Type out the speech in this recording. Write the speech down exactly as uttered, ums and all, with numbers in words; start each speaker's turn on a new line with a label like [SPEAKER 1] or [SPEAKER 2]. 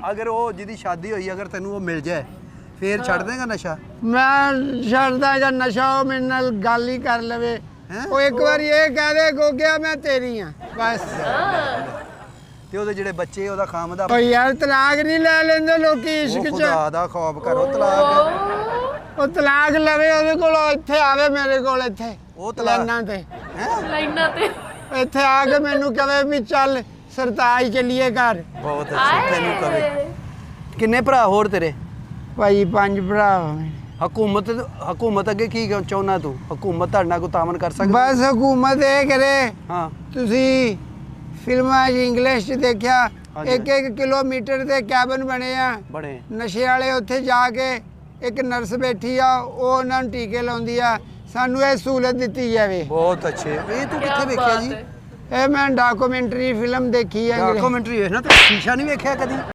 [SPEAKER 1] ਅਗਰ ਉਹ ਜਿਹਦੀ ਸ਼ਾਦੀ ਹੋਈ ਅਗਰ ਤੈਨੂੰ ਉਹ ਮਿਲ ਜਾਏ ਫੇਰ ਛੱਡ ਦੇਗਾ ਨਸ਼ਾ?
[SPEAKER 2] ਮੈਂ ਛੱਡਦਾ ਜਾਂ ਨਸ਼ਾ ਉਹ ਮੇਰੇ ਨਾਲ ਗੱਲ ਹੀ ਕਰ ਲਵੇ। ਉਹ ਇੱਕ ਵਾਰੀ ਇਹ ਕਹਿ ਦੇ ਗੋਗਿਆ ਮੈਂ ਤੇਰੀ ਆ ਬਸ।
[SPEAKER 1] ਤੇ ਉਹਦੇ ਜਿਹੜੇ ਬੱਚੇ ਉਹਦਾ ਖਾਮਦਾ
[SPEAKER 2] ਓ ਯਾਰ ਤਲਾਕ ਨਹੀਂ ਲੈ ਲੈਂਦੇ ਲੋਕੀ ਇਸ਼ਕ ਚ।
[SPEAKER 1] ਖੁਦਾ ਦਾ ਖੌਫ ਕਰੋ ਤਲਾਕ।
[SPEAKER 2] ਉਹ ਤਲਾਕ ਲਵੇ ਉਹਦੇ ਕੋਲ ਇੱਥੇ ਆਵੇ ਮੇਰੇ ਕੋਲ ਇੱਥੇ
[SPEAKER 1] ਉਹ ਤਲਾਕ
[SPEAKER 2] ਲਾਈਨਾਂ ਤੇ
[SPEAKER 3] ਲਾਈਨਾਂ ਤੇ
[SPEAKER 2] ਇੱਥੇ ਆ ਕੇ ਮੈਨੂੰ ਕਵੇ ਵੀ ਚੱਲ ਸਰਤਾਜ ਚੱਲੀਏ ਘਰ।
[SPEAKER 1] ਬਹੁਤ ਅੱਛਾ ਤੈਨੂੰ ਕਵੇ। ਕਿੰਨੇ ਭਰਾ ਹੋਰ ਤੇਰੇ?
[SPEAKER 2] ਭਾਈ ਪੰਜ ਭਰਾ ਮੇਰੇ।
[SPEAKER 1] ਹਕੂਮਤ ਹਕੂਮਤ ਅੱਗੇ ਕੀ ਚਾਹੁੰਦਾ ਤੂੰ? ਹਕੂਮਤ ਤੁਹਾਡੇ ਨਾਲ ਕੋਈ ਤਾਮਨ ਕਰ ਸਕਦੀ?
[SPEAKER 2] ਬਸ ਹਕੂਮਤ ਇਹ ਕਰੇ।
[SPEAKER 1] ਹਾਂ
[SPEAKER 2] ਤੁਸੀਂ ਫਿਲਮਾਂ 'ਚ ਇੰਗਲਿਸ਼ 'ਚ ਦੇਖਿਆ ਇੱਕ ਇੱਕ ਕਿਲੋਮੀਟਰ ਦੇ ਕੈਬਨ ਬਣੇ ਆ
[SPEAKER 1] ਬਣੇ
[SPEAKER 2] ਨਸ਼ੇ ਵਾਲੇ। ਉੱਥੇ ਜਾ ਕੇ ਇੱਕ ਨਰਸ ਬੈਠੀ ਆ ਉਹ ਉਹਨਾਂ ਨੂੰ ਟੀਕੇ ਲਾਉਂਦੀ ਆ। ਸਾਨੂੰ ਇਹ ਸਹੂਲਤ ਦਿੱਤੀ ਜਾਵੇ।
[SPEAKER 1] ਬਹੁਤ ਅੱਛੇ। ਇਹ ਤੂੰ ਕਿੱਥੇ ਵੇਖਿਆ ਜੀ?
[SPEAKER 2] ਇਹ ਮੈਂ ਡਾਕੂਮੈਂਟਰੀ ਫਿਲਮ ਦੇਖੀ ਹੈ।
[SPEAKER 1] ਡਾਕੂਮੈਂਟਰੀ ਵੇਖਣਾ ਤੇ ਸ਼ੀਸ਼ਾ ਨਹੀਂ ਵੇਖਿਆ ਕਦੀ?